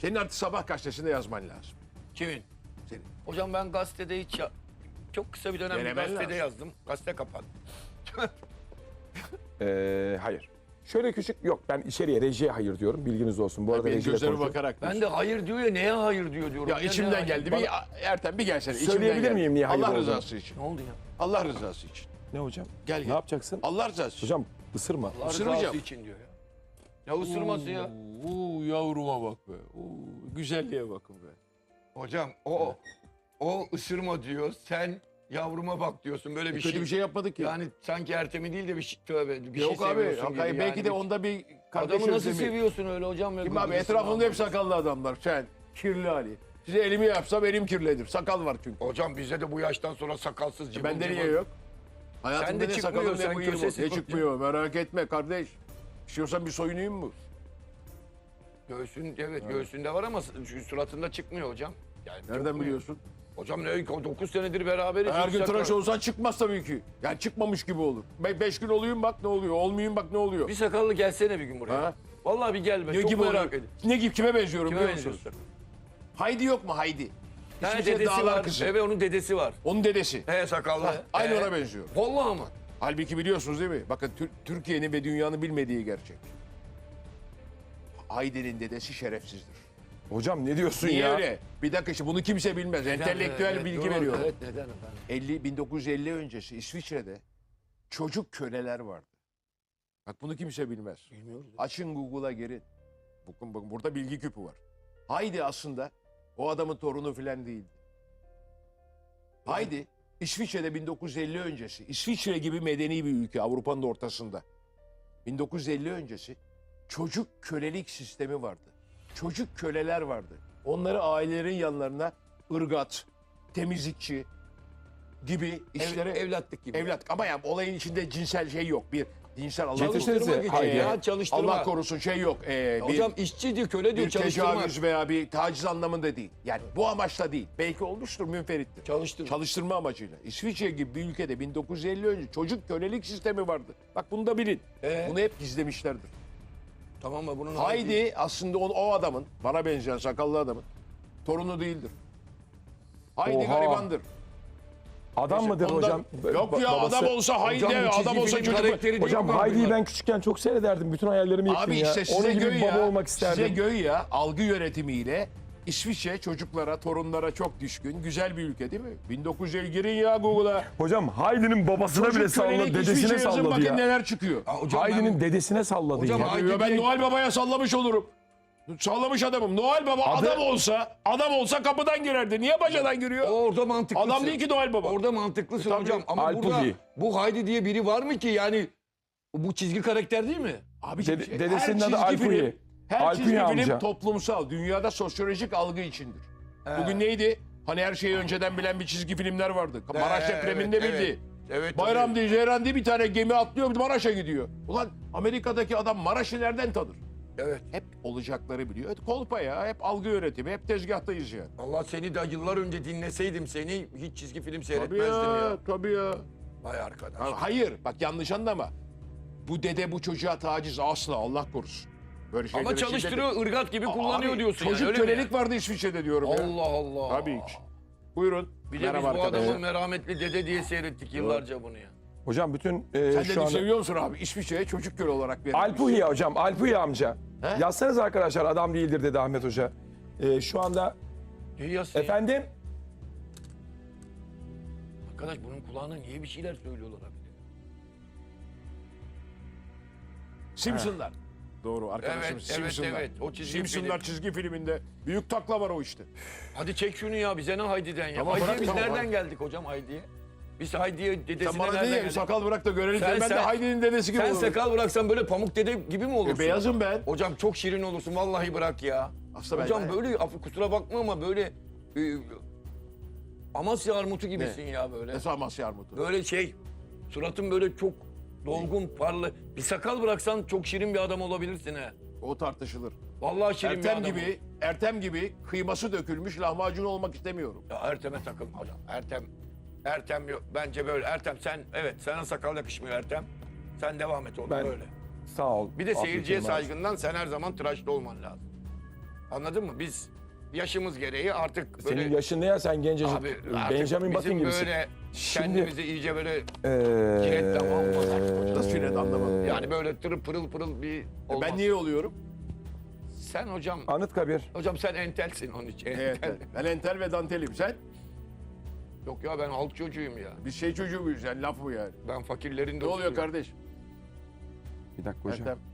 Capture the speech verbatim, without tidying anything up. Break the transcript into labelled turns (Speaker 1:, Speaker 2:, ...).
Speaker 1: Senin artık sabah gazetesinde yazman lazım.
Speaker 2: Kimin?
Speaker 1: Senin.
Speaker 2: Hocam ben gazetede hiç ya... Çok kısa bir dönem bir
Speaker 1: Denemen
Speaker 2: gazetede
Speaker 1: lazım.
Speaker 2: yazdım. Gazete kapandı.
Speaker 3: Ee, hayır. Şöyle küçük yok ben içeriye rejiye hayır diyorum bilginiz olsun. Bu arada
Speaker 1: Benim
Speaker 3: rejiyle
Speaker 1: gözlerime
Speaker 3: konuşuyorum.
Speaker 1: bakarak.
Speaker 2: Ben de hayır diyor ya, neye hayır diyor diyorum.
Speaker 1: Ya
Speaker 2: neye
Speaker 1: içimden
Speaker 2: hayır?
Speaker 1: geldi. Bir Ertem bir gelsene. İçimden
Speaker 3: Söyleyebilir
Speaker 1: geldi.
Speaker 3: miyim niye hayır
Speaker 1: Allah
Speaker 3: olduğunu?
Speaker 1: rızası için.
Speaker 2: Ne oldu ya?
Speaker 1: Allah rızası için.
Speaker 3: Ne hocam?
Speaker 1: Gel
Speaker 3: Ne
Speaker 1: gel.
Speaker 3: yapacaksın?
Speaker 1: Allah rızası için.
Speaker 3: Hocam ısırma.
Speaker 2: Allah
Speaker 1: Isırmayacağım.
Speaker 2: rızası için diyor ya. Ya ısırması ya.
Speaker 1: Uuu yavruma bak be. Uuu güzelliğe bakın be.
Speaker 2: Hocam o o ısırma diyor. Sen yavruma bak diyorsun. Böyle bir
Speaker 1: Kötü
Speaker 2: şey.
Speaker 1: bir şey yapmadık ya.
Speaker 2: Yani sanki Ertem'i değil de bir şey tövbe bir
Speaker 1: Yok
Speaker 2: şey
Speaker 1: abi.
Speaker 2: seviyorsun gibi.
Speaker 1: Hakikaten belki
Speaker 2: yani.
Speaker 1: de onda bir kardeş
Speaker 2: Adamı nasıl
Speaker 1: özlemi.
Speaker 2: seviyorsun öyle hocam? ya?
Speaker 1: Kim abi?
Speaker 2: Gıcıksın
Speaker 1: Etrafımda
Speaker 2: abi.
Speaker 1: hep sakallı adamlar. Sen, Kirli Ali. Size elimi yapsam elim kirlidir. Sakal var çünkü.
Speaker 2: Hocam bize de bu yaştan sonra sakalsız cıvıl
Speaker 1: Bende
Speaker 2: cıvıl.
Speaker 1: niye yok? Hayatımda
Speaker 2: Sende
Speaker 1: ne
Speaker 2: çıkmıyor,
Speaker 1: sakalım
Speaker 2: sen
Speaker 1: ne bıyığım
Speaker 2: kösesi
Speaker 1: ne
Speaker 2: yok
Speaker 1: çıkmıyor. Merak etme kardeş. İstiyorsan bir soyunayım mı?
Speaker 2: Göğsün evet, göğsünde var ama şu suratında çıkmıyor hocam. Yani
Speaker 1: Nereden
Speaker 2: çıkmıyor.
Speaker 1: biliyorsun?
Speaker 2: Hocam ne dokuz senedir beraberiz.
Speaker 1: Her
Speaker 2: hiç
Speaker 1: gün
Speaker 2: sakal-
Speaker 1: tıraş olsan çıkmaz tabii ki. Yani çıkmamış gibi olur. Be beş gün olayım bak ne oluyor. Olmayayım bak ne oluyor.
Speaker 2: Bir sakallı gelsene bir gün buraya.
Speaker 1: Ha?
Speaker 2: Vallahi bir gel be.
Speaker 1: Ne
Speaker 2: Çok
Speaker 1: gibi
Speaker 2: merak
Speaker 1: oluyor?
Speaker 2: ediyorum.
Speaker 1: Ne gibi kime benziyorum
Speaker 2: Kime
Speaker 1: biliyor musun?
Speaker 2: benziyorsun?
Speaker 1: Haydi yok mu Haydi?
Speaker 2: Ha,
Speaker 1: İsviçre
Speaker 2: dedesi
Speaker 1: dağlar
Speaker 2: var.
Speaker 1: kızı.
Speaker 2: Evet onun dedesi var.
Speaker 1: Onun dedesi.
Speaker 2: He sakallı.
Speaker 1: Ha, aynı
Speaker 2: He.
Speaker 1: ona benziyor.
Speaker 2: Vallahi mı?
Speaker 1: Halbuki biliyorsunuz değil mi? Bakın Tür- Türkiye'nin ve dünyanın bilmediği gerçek. Haydi'nin dedesi şerefsizdir.
Speaker 3: Hocam ne diyorsun
Speaker 1: Niye
Speaker 3: ya?
Speaker 1: öyle? Bir dakika işte bunu kimse bilmez. Entelektüel
Speaker 2: Evet,
Speaker 1: bilgi
Speaker 2: doğru.
Speaker 1: veriyor.
Speaker 2: Evet neden efendim?
Speaker 1: elli bin dokuz yüz elli öncesi İsviçre'de çocuk köleler vardı. Bak bunu kimse bilmez.
Speaker 2: Bilmiyoruz.
Speaker 1: Açın Google'a girin. Bakın bakın burada bilgi küpü var. Haydi aslında o adamın torunu filan değildi. Haydi İsviçre'de bin dokuz yüz elli öncesi İsviçre gibi medeni bir ülke Avrupa'nın da ortasında. bin dokuz yüz elli öncesi çocuk kölelik sistemi vardı. Çocuk köleler vardı. Onları ailelerin yanlarına ırgat, temizlikçi gibi işlere
Speaker 2: Ev, evlatlık gibi.
Speaker 1: evlat ama yani olayın içinde cinsel şey yok. Bir cinsel Allah
Speaker 3: Yetiştirsenize,
Speaker 1: korusun.
Speaker 2: Çalıştırma gücü
Speaker 3: haydi.
Speaker 2: ya çalıştırma.
Speaker 1: Allah korusun şey yok. Ee, bir,
Speaker 2: Hocam işçi diyor, köle diyor,
Speaker 1: bir
Speaker 2: çalıştırma.
Speaker 1: tecavüz veya bir taciz anlamında değil. Yani bu amaçla değil. Belki olmuştur, münferittir.
Speaker 2: Çalıştırma.
Speaker 1: Çalıştırma amacıyla. İsviçre gibi bir ülkede bin dokuz yüz elli önce çocuk kölelik sistemi vardı. Bak bunu da bilin.
Speaker 2: Ee?
Speaker 1: Bunu hep gizlemişlerdir.
Speaker 2: Tamam mı bunun
Speaker 1: Haydi aslında o, o adamın, bana benzeyen sakallı adamın torunu değildir. Haydi
Speaker 3: Oha.
Speaker 1: garibandır.
Speaker 3: Adam mıdır
Speaker 1: Ondan-
Speaker 3: hocam?
Speaker 1: Yok
Speaker 3: Ba-
Speaker 1: ya
Speaker 3: babası-
Speaker 1: adam olsa Haydi,
Speaker 2: Hocam bu çizgi
Speaker 1: adam olsa
Speaker 2: film
Speaker 1: çocuk.
Speaker 2: karakteri değil
Speaker 3: Hocam
Speaker 2: mi?
Speaker 3: Haydi'yi
Speaker 2: bunlar?
Speaker 3: ben küçükken çok seyrederdim. Bütün hayallerimi yıktın
Speaker 1: Abi
Speaker 3: ya.
Speaker 1: işte size
Speaker 3: Onun gibi
Speaker 1: göy
Speaker 3: bir baba
Speaker 1: ya,
Speaker 3: olmak isterdim.
Speaker 1: size göy ya algı yönetimiyle İsviçre çocuklara, torunlara çok düşkün. Güzel bir ülke değil mi? bin dokuz yüz elli girin ya Google'a.
Speaker 3: Hocam Haydi'nin babasına bile
Speaker 1: Çocuk
Speaker 3: salladı,
Speaker 1: kölelik
Speaker 3: dedesine
Speaker 1: İsviçre yazın
Speaker 3: salladı
Speaker 1: bakın
Speaker 3: ya.
Speaker 1: neler çıkıyor.
Speaker 2: Ya hocam
Speaker 3: Haydi'nin
Speaker 2: ben-
Speaker 3: dedesine salladı
Speaker 2: Hocam
Speaker 3: ya.
Speaker 2: Haydi
Speaker 1: Ya ben
Speaker 2: diye-
Speaker 1: Noel Baba'ya sallamış olurum. Sallamış adamım. Noel Baba
Speaker 3: Adı-
Speaker 1: adam olsa, adam olsa kapıdan girerdi. Niye bacadan giriyor?
Speaker 2: Orada mantıklısın.
Speaker 1: Adam değil ki Noel Baba.
Speaker 2: Orada mantıklısın
Speaker 1: Tabii.
Speaker 2: hocam. Ama
Speaker 3: Alpugi.
Speaker 2: burada bu Haydi diye biri var mı ki yani bu çizgi karakter değil mi?
Speaker 1: Abi
Speaker 3: Dede- dedesinin adı Alpugi.
Speaker 1: film, her
Speaker 3: Alpugi
Speaker 1: çizgi film
Speaker 3: amca.
Speaker 1: toplumsal, dünyada sosyolojik algı içindir. Bugün neydi? Hani her şeyi önceden bilen bir çizgi filmler vardı. Maraş
Speaker 2: Ee,
Speaker 1: depreminde
Speaker 2: evet,
Speaker 1: bildi.
Speaker 2: evet. Evet,
Speaker 1: Bayram
Speaker 2: tabii.
Speaker 1: diye, Ceyran diye bir tane gemi atlıyor, Maraş'a gidiyor. Ulan Amerika'daki adam Maraş'ı nereden tanır?
Speaker 2: Evet.
Speaker 1: Hep olacakları biliyor. Evet, kolpa ya, hep algı yönetimi, hep tezgahtayız yani.
Speaker 2: Allah seni de yıllar önce dinleseydim seni hiç çizgi film
Speaker 1: Tabii
Speaker 2: seyretmezdim
Speaker 1: ya,
Speaker 2: ya.
Speaker 1: tabii ya.
Speaker 2: Vay arkadaş.
Speaker 1: Ha, hayır, bak yanlış anlama. Bu dede bu çocuğa taciz asla, Allah korusun. Böyle şeylere
Speaker 2: Ama çalıştırıyor, ırgat gibi kullanıyor
Speaker 1: Abi,
Speaker 2: diyorsun
Speaker 1: çocuk
Speaker 2: yani, öyle mi
Speaker 1: kölelik
Speaker 2: yani?
Speaker 1: vardı İsviçre'de diyorum ya.
Speaker 2: Allah Allah.
Speaker 1: Tabii ki. Buyurun.
Speaker 2: Bir de biz
Speaker 1: Merhaba
Speaker 2: bu
Speaker 1: arkadaşlar.
Speaker 2: adamı merhametli dede diye seyrettik yıllarca bunu ya.
Speaker 3: Hocam bütün e,
Speaker 1: Sen de
Speaker 3: şu anda...
Speaker 1: seviyor musun abi? İsviçre'ye çocuk köle olarak verilmiş.
Speaker 3: Alpuhi hocam, Alpuhi amca.
Speaker 1: He?
Speaker 3: Yazsanız arkadaşlar adam değildir dedi Ahmet Hoca. E, şu anda
Speaker 2: Ne yazsın ya?
Speaker 3: efendim
Speaker 2: Arkadaş bunun kulağına niye bir şeyler söylüyorlar abi?
Speaker 1: Simpsonlar. Doğru arkadaşım
Speaker 2: Evet, evet,
Speaker 1: Simpsonlar.
Speaker 2: evet. O çizgi
Speaker 1: Simpsonlar
Speaker 2: film.
Speaker 1: çizgi filminde büyük takla var o işte.
Speaker 2: Hadi çek şunu ya bize ne Haydi'den ya.
Speaker 1: Tamam,
Speaker 2: Haydi'ye
Speaker 1: bırak,
Speaker 2: biz
Speaker 1: tamam,
Speaker 2: nereden
Speaker 1: bırak.
Speaker 2: geldik hocam Haydi'ye? Biz Haydi'ye dedesine
Speaker 1: Sen bana
Speaker 2: nereden
Speaker 1: ne
Speaker 2: geldik?
Speaker 1: sakal bırak da görelim.
Speaker 2: Sen-
Speaker 1: ben de
Speaker 2: sen-
Speaker 1: Haydi'nin dedesi gibi
Speaker 2: Sen
Speaker 1: olurum.
Speaker 2: sakal bıraksan böyle pamuk dede gibi mi olursun?
Speaker 1: E, beyazım ben.
Speaker 2: Hocam çok şirin olursun vallahi bırak ya.
Speaker 1: Aslında ben-
Speaker 2: Hocam
Speaker 1: ben-
Speaker 2: böyle af- kusura bakma ama böyle e, Amasya armutu gibisin ya böyle.
Speaker 1: Nasıl Amasya Armut'u?
Speaker 2: Böyle şey suratın böyle çok dolgun parlı. Bir sakal bıraksan çok şirin bir adam olabilirsin he.
Speaker 1: O tartışılır.
Speaker 2: Vallahi şirin bir
Speaker 1: Ertem
Speaker 2: adam.
Speaker 1: gibi, Ertem gibi kıyması dökülmüş lahmacun olmak istemiyorum.
Speaker 2: Ya Ertem'e takılma hocam. Ertem Ertem yok. Bence böyle. Ertem sen evet sana sakal yakışmıyor Ertem. Sen devam et oğlum
Speaker 3: Ben-
Speaker 2: böyle.
Speaker 3: sağ ol.
Speaker 2: Bir de
Speaker 3: Afiyet
Speaker 2: seyirciye
Speaker 3: olsun abi.
Speaker 2: saygından sen her zaman tıraşlı olman lazım. Anladın mı? Biz yaşımız gereği artık böyle...
Speaker 3: Senin yaşın ne ya, sen gencecik
Speaker 2: Abi artık
Speaker 3: Benjamin Button
Speaker 2: bizim
Speaker 3: gibisin.
Speaker 2: böyle
Speaker 3: Şimdi-
Speaker 2: kendimizi iyice böyle
Speaker 3: Ee,
Speaker 2: ciletten almasak.
Speaker 1: Nasıl cilet anlamadım.
Speaker 2: Yani böyle tırı pırıl pırıl bir olmaz.
Speaker 1: Ben niye oluyorum?
Speaker 2: Sen hocam,
Speaker 3: Anıtkabir.
Speaker 2: hocam sen entelsin onun için.
Speaker 1: Evet,
Speaker 2: Entel.
Speaker 1: ben entel ve dantelim. Sen?
Speaker 2: Yok ya ben halk çocuğuyum ya.
Speaker 1: Biz şey çocuğu muyuz yani, laf mı yani?
Speaker 2: Ben fakirlerin
Speaker 1: Ne
Speaker 2: dostuyum.
Speaker 1: oluyor kardeş?
Speaker 3: Bir dakika hocam.
Speaker 1: Ertem.